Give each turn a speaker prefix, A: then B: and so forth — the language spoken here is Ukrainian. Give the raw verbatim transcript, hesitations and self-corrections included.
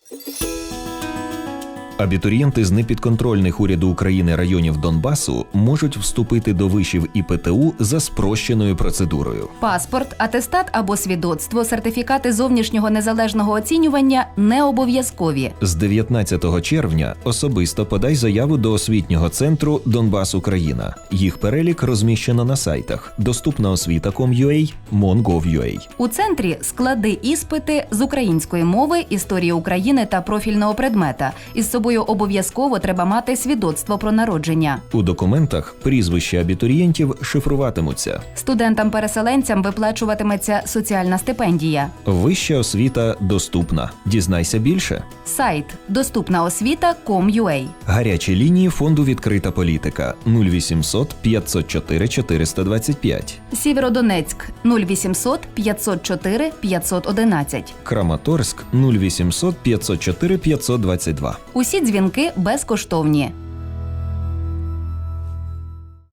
A: Абітурієнти з непідконтрольних уряду України районів Донбасу можуть вступити до вишів і Пе Те У за спрощеною процедурою.
B: Паспорт, атестат або свідоцтво, сертифікати зовнішнього незалежного оцінювання не обов'язкові.
A: З дев'ятнадцятого червня особисто подай заяву до освітнього центру «Донбас Україна». Їх перелік розміщено на сайтах доступна освіта крапка ком крапка ю а, мон крапка гов крапка ю а.
B: У центрі склади іспити з української мови, історії України та профільного предмета. Із собою обов'язково треба мати свідоцтво про народження.
A: У документах прізвища абітурієнтів шифруватимуться.
B: Студентам-переселенцям виплачуватиметься соціальна стипендія.
A: Вища освіта доступна. Дізнайся більше.
B: Сайт доступна освіта крапка ком крапка ю а.
A: Гарячі лінії фонду «Відкрита політика» нуль вісімсот п'ятсот чотири чотириста двадцять п'ять.
B: Сєвєродонецьк нуль вісімсот п'ятсот чотири п'ятсот одинадцять.
A: Краматорськ нуль вісімсот п'ятсот чотири п'ятсот двадцять два.
B: Усі дзвінки безкоштовні.